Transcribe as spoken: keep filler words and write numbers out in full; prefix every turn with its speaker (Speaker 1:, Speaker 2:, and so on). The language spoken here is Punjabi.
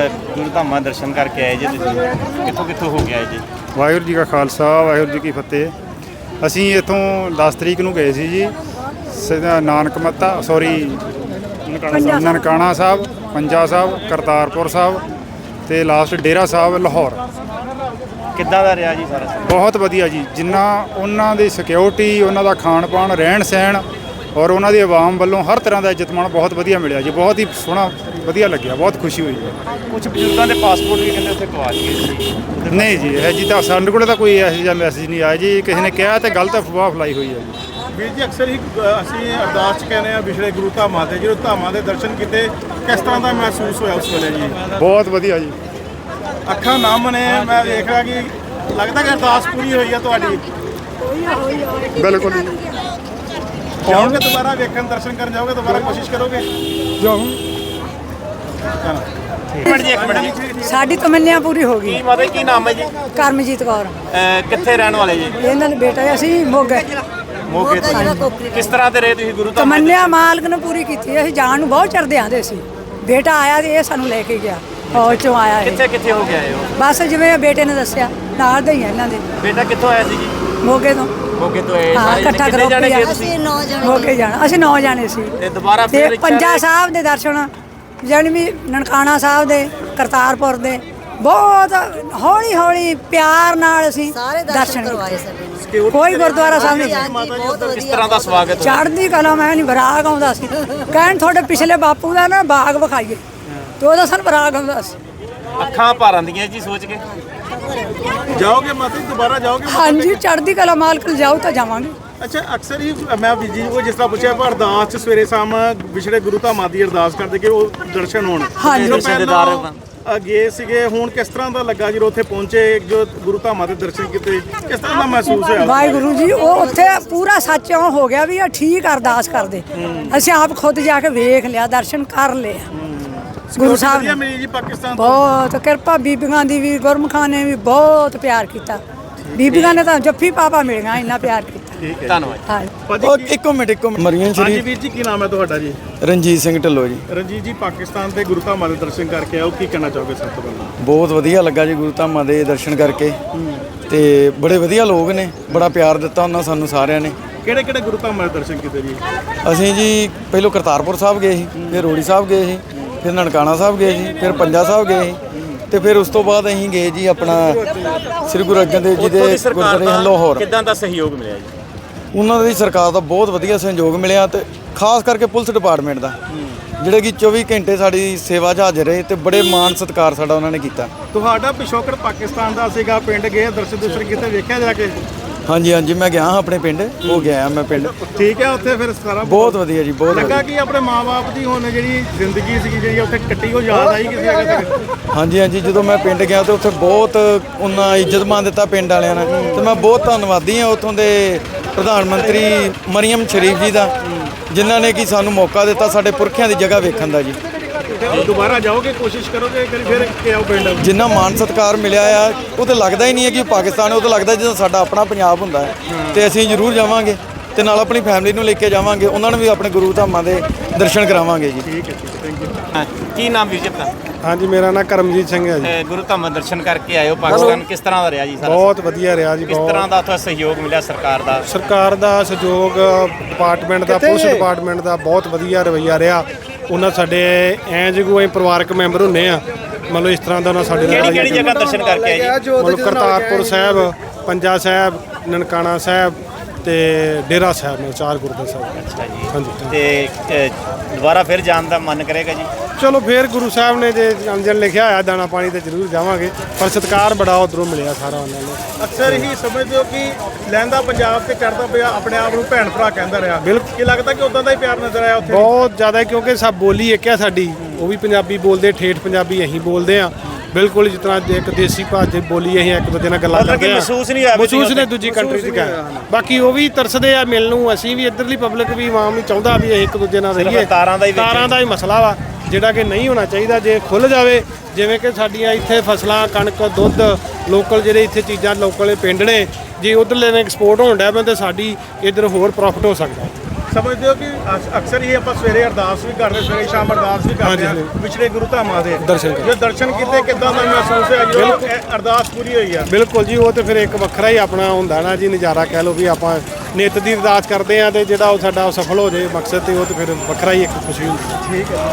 Speaker 1: ਗੁਰੂ ਧਾਮਾਂ ਦਰਸ਼ਨ ਕਰਕੇ ਆਏ ਜੀ ਤੁਸੀਂ ਕਿੱਥੋਂ ਕਿੱਥੋਂ ਹੋ ਕੇ ਆਏ ਜੀ?
Speaker 2: ਵਾਹਿਗੁਰੂ ਜੀ ਕਾ ਖਾਲਸਾ ਵਾਹਿਗੁਰੂ ਜੀ ਕੀ ਫਤਿਹ। ਅਸੀਂ ਇੱਥੋਂ ਦਸ ਤਰੀਕ ਨੂੰ ਗਏ ਸੀ ਜੀ ਸਿੱਧਾ ਨਾਨਕ ਮੱਤਾ ਸੌਰੀ ਨਨਕਾਣਾ ਸਾਹਿਬ, ਪੰਜਾ ਸਾਹਿਬ, ਕਰਤਾਰਪੁਰ ਸਾਹਿਬ ਅਤੇ ਲਾਸਟ ਡੇਰਾ ਸਾਹਿਬ ਲਾਹੌਰ।
Speaker 1: ਕਿੱਦਾਂ ਦਾ ਰਿਹਾ ਜੀ ਸਾਰਾ?
Speaker 2: ਬਹੁਤ ਵਧੀਆ ਜੀ, ਜਿੰਨਾ ਉਹਨਾਂ ਦੀ ਸਿਕਿਉਰਿਟੀ, ਉਹਨਾਂ ਦਾ ਖਾਣ ਪਾਣ, ਰਹਿਣ ਸਹਿਣ ਔਰ ਉਹਨਾਂ ਦੀ ਆਵਾਮ ਵੱਲੋਂ ਹਰ ਤਰ੍ਹਾਂ ਦਾ ਇੱਜ਼ਤ ਮਾਣ ਬਹੁਤ ਵਧੀਆ ਮਿਲਿਆ ਜੀ। ਬਹੁਤ ਹੀ ਸੋਹਣਾ ਵਧੀਆ ਲੱਗਿਆ, ਬਹੁਤ ਖੁਸ਼ੀ ਹੋਈ ਹੈ।
Speaker 1: ਕੁਝ ਬਜ਼ੁਰਗਾਂ ਦੇ ਪਾਸਪੋਰਟ ਵੀ ਕਹਿੰਦੇ ਉੱਥੇ ਗਵਾਚ ਗਏ ਸੀ।
Speaker 2: ਨਹੀਂ ਜੀ, ਇਹ ਜੀ ਤਾਂ ਸਾਡੇ ਕੋਲ ਤਾਂ ਕੋਈ ਇਹੋ ਜਿਹਾ ਮੈਸੇਜ ਨਹੀਂ ਆਇਆ ਜੀ। ਕਿਸੇ ਨੇ ਕਿਹਾ ਤੇ ਗਲਤ ਅਫਵਾਹ ਫੈਲਾਈ ਹੋਈ ਹੈ ਜੀ।
Speaker 3: ਵੀਰ ਜੀ ਅਕਸਰ ਹੀ ਅਸੀਂ ਅਰਦਾਸ 'ਚ ਕਹਿੰਦੇ ਹਾਂ ਵਿਛੜੇ ਗੁਰੂ ਧਾਮਾਂ ਦੇ, ਜਦੋਂ ਧਾਮਾਂ ਦੇ ਦਰਸ਼ਨ ਕੀਤੇ ਕਿਸ ਤਰ੍ਹਾਂ ਦਾ ਮਹਿਸੂਸ ਹੋਇਆ ਉਸ ਵੇਲੇ ਜੀ?
Speaker 2: ਬਹੁਤ ਵਧੀਆ ਜੀ।
Speaker 3: ਅੱਖਾਂ ਨਮ ਨੇ, ਮੈਂ ਦੇਖ ਰਿਹਾ ਕਿ ਲੱਗਦਾ ਕਿ ਅਰਦਾਸ ਪੂਰੀ ਹੋਈ ਹੈ ਤੁਹਾਡੀ।
Speaker 2: ਬਿਲਕੁਲ
Speaker 3: ਜਾਓਗੇ ਦੁਬਾਰਾ ਵੇਖਣ, ਦਰਸ਼ਨ ਕਰਨ ਜਾਓਗੇ, ਦੁਬਾਰਾ ਕੋਸ਼ਿਸ਼ ਕਰੋਗੇ?
Speaker 2: ਜਾਓ।
Speaker 1: ਇੱਕ ਮਿੰਟ ਜੀ, ਇੱਕ ਮਿੰਟ ਜੀ।
Speaker 4: ਸਾਡੀ ਤਮੰਨਿਆ ਪੂਰੀ ਹੋ ਗਈ।
Speaker 1: ਕੀ ਮਾਤਾ ਜੀ, ਕੀ ਨਾਮ ਹੈ ਜੀ?
Speaker 4: ਕਰਮਜੀਤ ਕੌਰ।
Speaker 1: ਅਹ ਕਿੱਥੇ ਰਹਿਣ ਵਾਲੇ ਜੀ?
Speaker 4: ਇਹਨਾਂ ਦੇ ਬੇਟਾ ਅਸੀਂ ਮੋਗੇ।
Speaker 1: ਮੋਗੇ ਤੋਂ। ਕਿਸ ਤਰ੍ਹਾਂ ਦੇ ਰਹੇ ਤੁਸੀਂ ਗੁਰੂ ਧਾਮ?
Speaker 4: ਤਮੰਨਿਆ ਮਾਲਕ ਨੇ ਪੂਰੀ ਕੀਤੀ। ਅਸੀਂ ਜਾਣ ਨੂੰ ਬਹੁਤ ਚੜਦੇ ਆਂਦੇ ਸੀ। ਬੇਟਾ ਆਇਆ ਤੇ ਇਹ ਸਾਨੂੰ ਲੈ ਕੇ ਗਿਆ, ਫੌਜ ਚੋਂ ਆਇਆ ਇਹ।
Speaker 1: ਕਿੱਥੇ ਕਿੱਥੇ ਹੋ ਕੇ ਆਏ ਹੋ?
Speaker 4: ਬਸ ਜਿਵੇਂ ਬੇਟੇ ਨੇ ਦੱਸਿਆ, ਨਾਲ ਦੇ ਹੀ ਆ ਇਹਨਾਂ ਦੇ।
Speaker 1: ਬੇਟਾ ਕਿੱਥੋਂ ਆਇਆ ਸੀ ਜੀ?
Speaker 4: ਮੋਗੇ ਤੋਂ।
Speaker 1: ਮੋਗੇ ਤੋਂ ਆਏ
Speaker 4: ਹਾਂ,
Speaker 1: ਸਾਰੇ
Speaker 4: ਇਕੱਠਾ
Speaker 1: ਕਿੰਨੇ ਜਾਣੇ ਗਏ
Speaker 4: ਕਰੋ।
Speaker 1: ਤੁਸੀਂ?
Speaker 4: ਮੋਗੇ ਜਾਣਾ ਅਸੀਂ ਨੌ ਜਾਣੇ ਸੀ।
Speaker 1: ਤੇ ਦੁਬਾਰਾ
Speaker 4: ਤੇ
Speaker 1: ਫਿਰ
Speaker 4: ਪੰਜਾ ਸਾਹਿਬ ਦੇ ਦਰਸ਼ਨ, ਜਾਣੀ ਵੀ ਨਨਕਾਣਾ ਸਾਹਿਬ ਦੇ, ਕਰਤਾਰਪੁਰ ਦੇ, ਬਹੁਤ ਹੌਲੀ ਹੌਲੀ ਪਿਆਰ ਨਾਲ ਅਸੀਂ ਦਰਸ਼ਨ ਕਰਵਾਏ। ਕੋਈ ਗੁਰਦੁਆਰਾ ਸਾਹਿਬ ਨਹੀਂ।
Speaker 1: ਕਿਸ ਤਰ੍ਹਾਂ ਦਾ ਸਵਾਗਤ?
Speaker 4: ਚੜ੍ਹਦੀ ਕਲਾ, ਮੈਂ ਨਹੀਂ ਬਰਾਗ ਆਉਂਦਾ ਸੀ। ਕਹਿਣ ਤੁਹਾਡੇ ਪਿਛਲੇ ਬਾਪੂ ਦਾ ਨਾ ਬਾਗ ਵਿਖਾਈਏ, ਤੇ ਉਹਦਾ ਸਾਨੂੰ ਬਰਾਗ ਆਉਂਦਾ ਸੀ।
Speaker 1: ਅੱਖਾਂ ਭਰ ਆਉਂਦੀਆਂ ਜੀ ਸੋਚ ਕੇ।
Speaker 3: ਜਾਓਗੇ ਮਾਤਾ ਜੀ, ਦੁਬਾਰਾ ਜਾਓਗੇ?
Speaker 4: ਹਾਂਜੀ, ਚੜ੍ਹਦੀ ਕਲਾ ਮਾਲਕ ਜਾਓ ਤਾਂ ਜਾਵਾਂਗੇ।
Speaker 3: ਅੱਛਾ, ਅਕਸਰ ਹੀ ਮੈਂ ਵੀਰ ਜੀ ਨੂੰ ਜਿਸ ਤਰ੍ਹਾਂ ਪੁੱਛਿਆ ਪਰ ਅਰਦਾਸ 'ਚ ਸਵੇਰੇ ਸ਼ਾਮ ਵਿਛੜੇ ਗੁਰੂ ਧਾਮਾਂ ਦੀ ਅਰਦਾਸ ਕਰਦੇ ਕਿ ਉਹ ਦਰਸ਼ਨ ਹੋਣ।
Speaker 4: ਹਾਂਜੀ।
Speaker 3: ਅੱਗੇ ਸੀਗੇ, ਹੁਣ ਕਿਸ ਤਰ੍ਹਾਂ ਦਾ ਲੱਗਾ ਜਦੋਂ ਉੱਥੇ ਪਹੁੰਚੇ, ਜੋ ਗੁਰੂ ਧਾਮਾਂ ਦੇ ਦਰਸ਼ਨ ਕੀਤੇ, ਕਿਸ ਤਰ੍ਹਾਂ ਦਾ ਮਹਿਸੂਸ ਹੋਇਆ?
Speaker 4: ਵਾਹਿਗੁਰੂ ਜੀ, ਉਹ ਉੱਥੇ ਪੂਰਾ ਸੱਚ ਇਉਂ ਹੋ ਗਿਆ ਵੀ ਆ ਠੀਕ ਅਰਦਾਸ ਕਰਦੇ। ਅਸੀਂ ਆਪ ਖੁਦ ਜਾ ਕੇ ਵੇਖ ਲਿਆ, ਦਰਸ਼ਨ ਕਰ ਲਏ ਗੁਰੂ ਸਾਹਿਬ ਨੇ।
Speaker 3: ਮਿਲੀ ਜੀ ਪਾਕਿਸਤਾਨ ਤੋਂ?
Speaker 4: ਬਹੁਤ ਕਿਰਪਾ, ਬੀਬੀਆਂ ਦੀ ਵੀ, ਗੁਰਮੁਖਾਂ ਨੇ ਵੀ ਬਹੁਤ ਪਿਆਰ ਕੀਤਾ। ਬੀਬੀਆਂ ਨੇ ਤਾਂ ਜੱਫੀ ਪਾਪਾ ਮਿਲੀਆਂ, ਇੰਨਾ ਪਿਆਰ ਕੀਤਾ।
Speaker 3: ਠੀਕ ਹੈ,
Speaker 1: ਧੰਨਵਾਦ।
Speaker 4: ਹਾਂ।
Speaker 5: ਉਹ ਇੱਕੋ ਮਿੰਟ ਇੱਕੋ ਮਰੀਆਂ
Speaker 3: ਹਾਂਜੀ
Speaker 5: ਸ਼ਰੀਫ।
Speaker 3: ਵੀਰ ਜੀ, ਕੀ ਨਾਮ ਹੈ ਤੁਹਾਡਾ ਜੀ?
Speaker 5: ਰਣਜੀਤ ਸਿੰਘ ਢਿੱਲੋਂ ਜੀ।
Speaker 3: ਰਣਜੀਤ ਜੀ, ਪਾਕਿਸਤਾਨ ਦੇ ਗੁਰੂ ਧਾਮਾਂ ਦੇ ਦਰਸ਼ਨ ਕਰਕੇ ਆਓ, ਕੀ ਕਹਿਣਾ ਚਾਹੋਗੇ ਸਭ ਤੋਂ ਪਹਿਲਾਂ?
Speaker 5: ਬਹੁਤ ਵਧੀਆ ਲੱਗਾ ਜੀ ਗੁਰੂ ਧਾਮਾਂ ਦੇ ਦਰਸ਼ਨ ਕਰਕੇ, ਤੇ ਬੜੇ ਵਧੀਆ ਲੋਕ ਨੇ, ਬੜਾ ਪਿਆਰ ਦਿੱਤਾ ਉਹਨਾਂ ਸਾਨੂੰ ਸਾਰਿਆਂ ਨੇ।
Speaker 3: ਕਿਹੜੇ ਕਿਹੜੇ ਗੁਰੂ ਧਾਮਾਂ ਦੇ ਦਰਸ਼ਨ ਕੀਤੇ ਜੀ?
Speaker 5: ਅਸੀਂ ਜੀ ਪਹਿਲੋਂ ਕਰਤਾਰਪੁਰ ਸਾਹਿਬ ਗਏ ਸੀ, ਫਿਰ ਰੋੜੀ ਸਾਹਿਬ ਗਏ ਸੀ, ਫਿਰ ਨਨਕਾਣਾ ਸਾਹਿਬ ਗਏ ਸੀ, ਫਿਰ ਪੰਜਾ ਸਾਹਿਬ ਗਏ ਸੀ, ਤੇ ਫਿਰ ਉਸ ਤੋਂ ਬਾਅਦ ਅਸੀਂ ਗਏ ਜੀ ਆਪਣਾ ਸ੍ਰੀ ਗੁਰੂ ਅਰਜਨ ਦੇਵ ਜੀ ਦੇ ਗੁਰਦੁਆਰੇ ਲਾਹੌਰ।
Speaker 1: ਕਿੱਦਾਂ ਦਾ ਸਹਿਯੋਗ ਮਿਲਿਆ ਜੀ?
Speaker 5: ਉਹਨਾਂ ਦੀ ਸਰਕਾਰ ਦਾ ਬਹੁਤ ਵਧੀਆ ਸਹਿਯੋਗ ਮਿਲਿਆ, ਤੇ ਖਾਸ ਕਰਕੇ ਪੁਲਿਸ ਡਿਪਾਰਟਮੈਂਟ ਦਾ, ਜਿਹੜੇ ਕਿ ਚੌਵੀ ਘੰਟੇ ਸਾਡੀ ਸੇਵਾ 'ਚ ਹਾਜ਼ਰ ਰਹੇ, ਤੇ ਬੜੇ ਮਾਣ ਸਤਿਕਾਰ ਸਾਡਾ ਉਹਨਾਂ ਨੇ ਕੀਤਾ।
Speaker 3: ਤੁਹਾਡਾ ਪਿਛੋਕੜ ਪਾਕਿਸਤਾਨ ਦਾ ਸੀਗਾ, ਪਿੰਡ ਗਏ ਦਰਸ਼ਨ ਦਰਸ਼ਨ ਕੀਤੇ, ਵੇਖਿਆ ਜਾ ਕੇ?
Speaker 5: ਹਾਂਜੀ ਹਾਂਜੀ, ਮੈਂ ਗਿਆ ਹਾਂ ਆਪਣੇ ਪਿੰਡ, ਹੋ ਗਿਆ ਮੈਂ ਪਿੰਡ।
Speaker 3: ਠੀਕ ਹੈ, ਉੱਥੇ ਫਿਰ ਸਾਰਾ
Speaker 5: ਬਹੁਤ ਵਧੀਆ ਜੀ, ਬਹੁਤ
Speaker 3: ਲੱਗਾ
Speaker 5: ਵਧੀਆ।
Speaker 3: ਕਿ ਆਪਣੇ ਮਾਂ-ਬਾਪ ਦੀ ਹੁਣ ਜਿਹੜੀ ਜ਼ਿੰਦਗੀ ਸੀਗੀ ਜਿਹੜੀ ਉੱਥੇ ਕੱਟੀ, ਉਹ ਯਾਦ ਆਈ ਕਿਸੇ ਜਗ੍ਹਾ ਤੇ?
Speaker 5: ਹਾਂਜੀ ਹਾਂਜੀ, ਜਦੋਂ ਮੈਂ ਪਿੰਡ ਗਿਆ ਤੇ ਉੱਥੇ ਬਹੁਤ ਉਹਨਾਂ ਇੱਜ਼ਤ ਮਾਨ ਦਿੱਤਾ ਪਿੰਡ ਵਾਲਿਆਂ ਨੇ, ਤੇ ਮੈਂ ਬਹੁਤ ਧੰਨਵਾਦੀ ਹਾਂ ਉੱਥੋਂ ਦੇ ਪ੍ਰਧਾਨ ਮੰਤਰੀ ਮਰੀਮ ਸ਼ਰੀਫ ਜੀ ਦਾ, ਜਿਨ੍ਹਾਂ ਨੇ ਕਿ ਸਾਨੂੰ ਮੌਕਾ ਦਿੱਤਾ ਸਾਡੇ ਪੁਰਖਿਆਂ ਦੀ ਜਗ੍ਹਾ ਵੇਖਣ ਦਾ ਜੀ।
Speaker 3: ਦੁਬਾਰਾ ਜਾਓਗੇ, ਕੋਸ਼ਿਸ਼ ਕਰੋਗੇ ਕਿ ਫਿਰ ਕਿ ਆਓ ਪਿੰਡ?
Speaker 5: ਜਿੰਨਾ ਮਾਣ ਸਤਿਕਾਰ ਮਿਲਿਆ ਆ, ਉਹ ਤਾਂ ਲੱਗਦਾ ਹੀ ਨਹੀਂ ਹੈ ਕਿ ਪਾਕਿਸਤਾਨ ਹੈ, ਉਹ ਤਾਂ ਲੱਗਦਾ ਜਿੱਦਾਂ ਸਾਡਾ ਆਪਣਾ ਪੰਜਾਬ ਹੁੰਦਾ ਹੈ। ਤੇ ਅਸੀਂ ਜ਼ਰੂਰ ਜਾਵਾਂਗੇ, ਤੇ ਨਾਲ ਆਪਣੀ ਫੈਮਿਲੀ ਨੂੰ ਲੈ ਕੇ ਜਾਵਾਂਗੇ, ਉਹਨਾਂ ਨੂੰ ਵੀ ਆਪਣੇ ਗੁਰੂ ਧਾਮਾਂ ਦੇ ਦਰਸ਼ਨ ਕਰਾਵਾਂਗੇ ਜੀ।
Speaker 3: ਠੀਕ ਹੈ, ਥੈਂਕ ਯੂ।
Speaker 1: ਹਾਂ, ਕੀ ਨਾਮ ਵੀਰ ਜੀ ਆਪਣਾ?
Speaker 2: ਹਾਂਜੀ, ਮੇਰਾ ਨਾਮ ਕਰਮਜੀਤ ਸਿੰਘ ਹੈ ਜੀ।
Speaker 1: ਅਹ ਗੁਰੂ ਧਾਮਾਂ ਦਰਸ਼ਨ ਕਰਕੇ ਆਏ ਹੋ ਪਾਕਿਸਤਾਨ, ਕਿਸ ਤਰ੍ਹਾਂ ਦਾ ਰਿਹਾ ਜੀ ਸਾਰਾ?
Speaker 2: ਬਹੁਤ ਵਧੀਆ ਰਿਹਾ ਜੀ।
Speaker 1: ਕਿਸ
Speaker 2: ਬਹੁਤ
Speaker 1: ਤਰ੍ਹਾਂ ਦਾ ਉੱਥੇ ਸਹਿਯੋਗ ਮਿਲਿਆ ਸਰਕਾਰ ਦਾ?
Speaker 2: ਸਰਕਾਰ ਦਾ ਸਹਿਯੋਗ, ਡਿਪਾਰਟਮੈਂਟ ਦਾ, ਪੁਲਿਸ ਡਿਪਾਰਟਮੈਂਟ ਦਾ ਬਹੁਤ ਵਧੀਆ ਰਵੱਈਆ ਰਿਹਾ। ਉਹਨਾਂ ਸਾਡੇ ਐਂ ਜਿਗੂ ਅਸੀਂ ਪਰਿਵਾਰਕ ਮੈਂਬਰ ਹੁੰਦੇ ਆ, ਮਤਲਬ ਇਸ ਤਰ੍ਹਾਂ ਦਾ ਉਹਨਾਂ ਸਾਡੇ ਨਾਲ।
Speaker 1: ਕਿਹੜੀ ਕਿਹੜੀ ਜਗ੍ਹਾ ਦਰਸ਼ਨ ਕਰਕੇ ਆਏ ਜੀ?
Speaker 2: ਮਤਲਬ ਕਰਤਾਰਪੁਰ ਸਾਹਿਬ, ਪੰਜਾ ਸਾਹਿਬ, ਨਨਕਾਣਾ ਸਾਹਿਬ ਤੇ ਡੇਰਾ ਸਾਹਿਬ ਨੇ, ਚਾਰ ਗੁਰਦੁਆਰਾ ਸਾਹਿਬ।
Speaker 1: ਅੱਛਾ ਜੀ।
Speaker 2: ਹਾਂਜੀ।
Speaker 1: ਤੇ ਅਹ, ਦੁਬਾਰਾ ਫਿਰ ਜਾਣ ਦਾ ਮਨ ਕਰੇਗਾ ਜੀ?
Speaker 2: ਚਲੋ ਫਿਰ ਗੁਰੂ ਸਾਹਿਬ ਨੇ ਜੇ ਅੰਜਨ ਲਿਖਿਆ ਹੋਇਆ ਦਾਣਾ ਪਾਣੀ ਤੇ ਜ਼ਰੂਰ ਜਾਵਾਂਗੇ, ਪਰ ਸਤਿਕਾਰ ਬੜਾ ਉੱਧਰੋਂ ਮਿਲਿਆ ਸਾਰਾ ਉਹਨਾਂ ਨੂੰ।
Speaker 3: ਅਕਸਰ ਹੀ ਸਮਝਦੇ ਹੋ ਕਿ ਲਹਿੰਦਾ ਪੰਜਾਬ ਤੇ ਚੜ੍ਹਦਾ ਪਿਆ ਆਪਣੇ ਆਪ ਨੂੰ ਭੈਣ ਭਰਾ ਕਹਿੰਦਾ ਰਿਹਾ।
Speaker 2: ਬਿਲਕੁਲ।
Speaker 3: ਕੀ ਲੱਗਦਾ ਕਿ ਉਦਾਂ ਦਾ ਹੀ ਪਿਆਰ ਨਜ਼ਰ ਆਇਆ ਉੱਥੇ?
Speaker 2: ਬਹੁਤ ਜ਼ਿਆਦਾ, ਕਿਉਂਕਿ ਸਭ ਬੋਲੀ ਇੱਕ ਆ ਸਾਡੀ, ਉਹ ਵੀ ਪੰਜਾਬੀ ਬੋਲਦੇ, ਠੇਠ ਪੰਜਾਬੀ ਅਸੀਂ ਬੋਲਦੇ ਆ ਬਿਲਕੁਲ, ਜਿਸ ਤਰ੍ਹਾਂ ਇੱਕ ਦੇਸੀ ਭਾਸ਼ਾ ਬੋਲੀ ਅਸੀਂ ਇੱਕ ਦੂਜੇ ਨਾਲ ਗੱਲਾਂ ਕਰਦੇ ਆ।
Speaker 1: ਮਹਿਸੂਸ ਨਹੀਂ ਹੋਇਆ?
Speaker 2: ਮਹਿਸੂਸ ਨੇ ਦੂਜੀ ਕੰਟਰੀ 'ਚ ਗਿਆ। ਬਾਕੀ ਉਹ ਵੀ ਤਰਸਦੇ ਆ ਮਿਲਣ ਨੂੰ, ਅਸੀਂ ਵੀ ਇੱਧਰਲੀ ਪਬਲਿਕ ਵੀ ਆਵਾਮ ਵੀ ਚਾਹੁੰਦਾ ਵੀ ਅਸੀਂ ਇੱਕ ਦੂਜੇ ਨਾਲ ਰਹੀਏ।
Speaker 1: ਤਾਰਾਂ ਦਾ ਹੀ
Speaker 2: ਤਾਰਾਂ ਦਾ ਹੀ ਮਸਲਾ ਵਾ, ਜਿਹੜਾ ਕਿ ਨਹੀਂ ਹੋਣਾ ਚਾਹੀਦਾ। ਜੇ ਖੁੱਲ੍ਹ ਜਾਵੇ, ਜਿਵੇਂ ਕਿ ਸਾਡੀਆਂ ਇੱਥੇ ਫਸਲਾਂ, ਕਣਕ, ਦੁੱਧ, ਲੋਕਲ ਜਿਹੜੇ ਇੱਥੇ ਚੀਜ਼ਾਂ ਲੋਕਲ ਪਿੰਡ ਨੇ, ਜੇ ਉੱਧਰਲੇ ਨੇ ਐਕਸਪੋਰਟ ਹੋਣ ਡਿਆ ਪੈਣ ਤਾਂ ਸਾਡੀ ਇੱਧਰ ਹੋਰ ਪ੍ਰੋਫਿਟ ਹੋ ਸਕਦਾ।
Speaker 3: ਸਮਝਦੇ ਹੋ ਕਿ ਅਸ- ਅਕਸਰ ਹੀ ਆਪਾਂ ਸਵੇਰੇ ਅਰਦਾਸ ਵੀ ਕਰਦੇ ਸਵੇਰੇ ਸ਼ਾਮ ਅਰਦਾਸ ਵੀ ਕਰਦੇ ਹਾਂ ਵਿਛੜੇ ਗੁਰੂ ਧਾਮਾਂ ਦੇ
Speaker 6: ਦਰਸ਼ਨ ਕਰ-
Speaker 3: ਜੋ ਦਰਸ਼ਨ ਕੀਤੇ ਕਿੱਦਾਂ ਦਾ ਮਹਿਸੂਸ ਹੋਇਆ ਜਦੋਂ ਇਹ ਅਰਦਾਸ ਪੂਰੀ ਹੋਈ ਆ?
Speaker 6: ਬਿਲਕੁਲ ਜੀ, ਉਹ ਤੇ ਫਿਰ ਇੱਕ ਵੱਖਰਾ ਹੀ ਆਪਣਾ ਹੁੰਦਾ ਨਾ ਜੀ ਨਜ਼ਾਰਾ, ਕਹਿ ਲਓ ਵੀ ਆਪਾਂ ਨਿੱਤ ਦੀ ਅਰਦਾਸ ਕਰਦੇ ਆ ਤੇ ਜਿਹੜਾ ਉਹ ਸਾਡਾ ਸਫਲ ਹੋ ਜਾਏ ਮਕਸਦ ਤੇ ਉਹ ਤੇ ਫਿਰ ਵੱਖਰਾ ਹੀ ਇੱਕ ਖੁਸ਼ੀ ਹੁੰਦੀ ਹੈ।
Speaker 3: ਠੀਕ ਹੈ